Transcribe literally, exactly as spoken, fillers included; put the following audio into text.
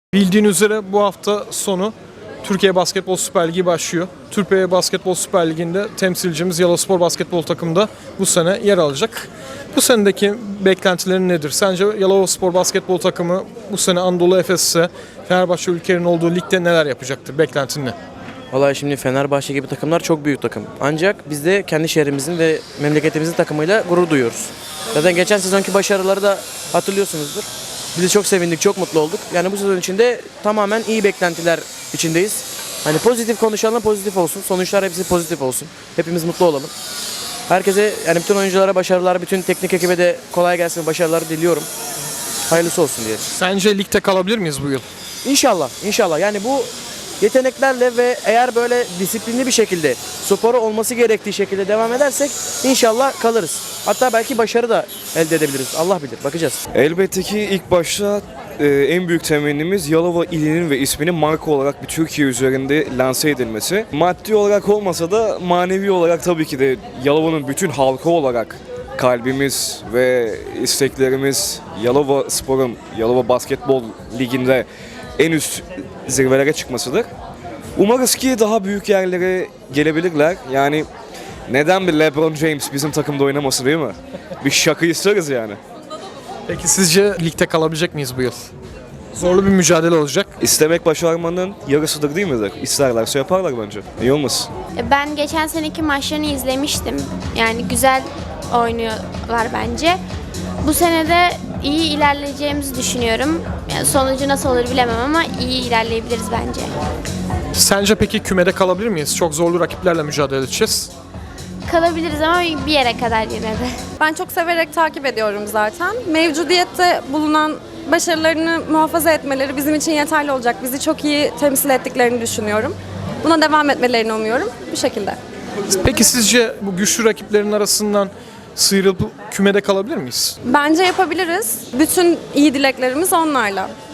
Bildiğin üzere bu hafta sonu Türkiye Basketbol Süper Ligi başlıyor. Türkiye Basketbol Süper Ligi'nde temsilcimiz Yalovaspor Basketbol takımında bu sene yer alacak. Bu senedeki beklentilerin nedir? Sence Yalovaspor Basketbol takımı bu sene Anadolu Efes'e, Fenerbahçe ülkenin olduğu ligde neler yapacaktır? Beklentin ne? Vallahi şimdi Fenerbahçe gibi takımlar çok büyük takım. Ancak biz de kendi şehrimizin ve memleketimizin takımıyla gurur duyuyoruz. Zaten geçen sezonki başarıları da hatırlıyorsunuzdur. Biz de çok sevindik, çok mutlu olduk. Yani bu sezon içinde tamamen iyi beklentiler içindeyiz. Hani pozitif konuşalım, pozitif olsun. Sonuçlar hepsi pozitif olsun. Hepimiz mutlu olalım. Herkese, yani bütün oyunculara başarılar, bütün teknik ekibe de kolay gelsin, başarılar diliyorum. Hayırlısı olsun diye. Sence ligde kalabilir miyiz bu yıl? İnşallah, inşallah. Yani bu yeteneklerle ve eğer böyle disiplinli bir şekilde, sporu olması gerektiği şekilde devam edersek inşallah kalırız. Hatta belki başarı da elde edebiliriz. Allah bilir. Bakacağız. Elbette ki ilk başta e, en büyük temennimiz Yalova ilinin ve isminin marka olarak bir Türkiye üzerinde lanse edilmesi. Maddi olarak olmasa da manevi olarak tabii ki de Yalova'nın bütün halkı olarak kalbimiz ve isteklerimiz Yalova Spor'un Yalova Basketbol Ligi'nde en üst zirvelere çıkmasıdır. Umarız ki daha büyük yerlere gelebilirler. Yani neden bir LeBron James bizim takımda oynaması, değil mi? Bir şaka isteriz yani. Peki sizce ligde kalabilecek miyiz bu yıl? Zorlu bir mücadele olacak. İstemek başarmanın yarısıdır, değil midir? İsterlerse yaparlar bence. İyi olmasın? Ben geçen seneki maçlarını izlemiştim. Yani güzel oynuyorlar bence. Bu sene de iyi ilerleyeceğimizi düşünüyorum. Yani sonucu nasıl olur bilemem ama iyi ilerleyebiliriz bence. Sence peki kümede kalabilir miyiz? Çok zorlu rakiplerle mücadele edeceğiz. Kalabiliriz ama bir yere kadar yine de. Ben çok severek takip ediyorum zaten. Mevcudiyette bulunan başarılarını muhafaza etmeleri bizim için yeterli olacak. Bizi çok iyi temsil ettiklerini düşünüyorum. Buna devam etmelerini umuyorum. Bu şekilde. Peki sizce bu güçlü rakiplerin arasından sıyrılıp kümede kalabilir miyiz? Bence yapabiliriz. Bütün iyi dileklerimiz onlarla.